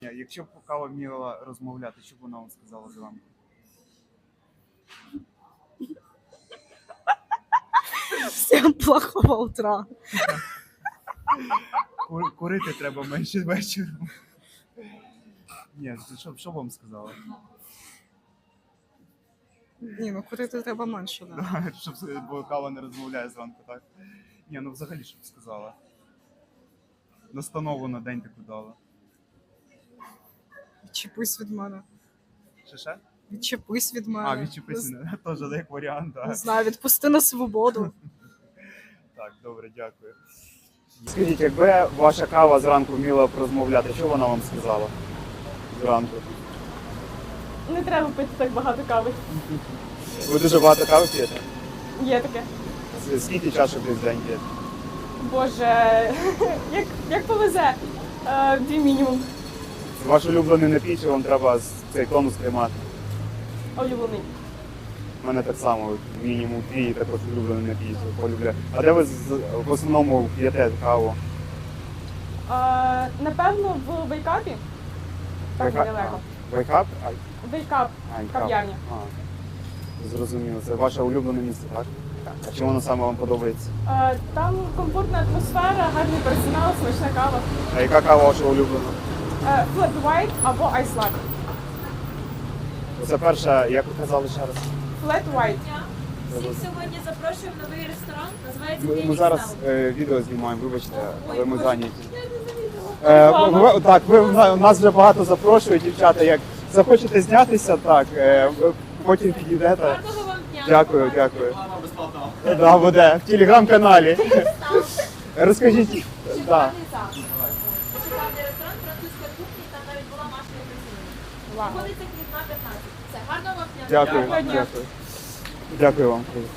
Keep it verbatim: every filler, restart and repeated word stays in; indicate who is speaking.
Speaker 1: Якщо б кава вміла розмовляти, що б вона вам сказала зранку?
Speaker 2: Всем плохого утра.
Speaker 1: Ку- Курити треба менше вечором. Ні, що, що б вам сказала?
Speaker 2: Ні, ну курити треба менше, да.
Speaker 1: Да, щоб, бо кава не розмовляє зранку, так? Ні, ну взагалі, що б сказала? Настанову на день таку дала.
Speaker 2: Відчепись від мене.
Speaker 1: Ще ще?
Speaker 2: Відчепись від мене.
Speaker 1: А, відчепися,
Speaker 2: Не,
Speaker 1: теж як варіант,
Speaker 2: не
Speaker 1: так.
Speaker 2: знаю, відпусти на свободу.
Speaker 1: Так, добре, дякую. Скажіть, якби ваша кава зранку вміла б розмовляти, що вона вам сказала? Зранку.
Speaker 3: Не треба пити так багато кави.
Speaker 1: Ви дуже багато кави п'єте?
Speaker 3: Є таке.
Speaker 1: Скільки чашок десь в день п'єте?
Speaker 3: Боже, як, як повезе. Е, Дві мінімум.
Speaker 1: Ваш улюблений напій, чи вам треба з- цей тонус тримати?
Speaker 3: Улюблений.
Speaker 1: У мене так само, мінімум дві, також улюблений напій, полюбляю. А де ви з- в основному п'єте каву?
Speaker 3: Е, напевно, в вейкапі. Так
Speaker 1: Вейка-
Speaker 3: недалеко.
Speaker 1: а, Вейкап? А,
Speaker 3: Вейкап.
Speaker 1: а, кап.
Speaker 3: Кав'ярня.
Speaker 1: А, зрозуміло. Це ваше улюблене місце, так? А чому воно саме вам подобається?
Speaker 3: Е, Там комфортна атмосфера, гарний персонал, смачна кава.
Speaker 1: А яка кава ваша улюблена?
Speaker 3: Е, Flat white або ice latte.
Speaker 1: Це перша, як ви казали ще раз?
Speaker 3: Flat white.
Speaker 4: Всіх сьогодні запрошуємо в новий ресторан. Називається
Speaker 1: Ми, ми
Speaker 4: Фенікс
Speaker 1: зараз
Speaker 4: Таун.
Speaker 1: е, відео знімаємо, вибачте, але ми
Speaker 4: Боже,
Speaker 1: зайняті.
Speaker 4: я не замітила.
Speaker 1: Е, ви- ви- так, ви на- нас вже багато запрошують, дівчата. Як захочете знятися, так е, ви потім підійдете.
Speaker 4: Гарного вам дня.
Speaker 1: Дякую, дякую. Да, буде в телеграм-каналі. Розкажіть. Да.
Speaker 4: Шикарний зал. Шикарний ресторан французької кухні, там навіть була Маша Єфросинівна.
Speaker 3: Вау.
Speaker 4: Знаходиться Квітна п'ятнадцять. Все, гарного вам дня.
Speaker 1: Дякую,
Speaker 3: Дякую.
Speaker 1: дякую. Дякую вам.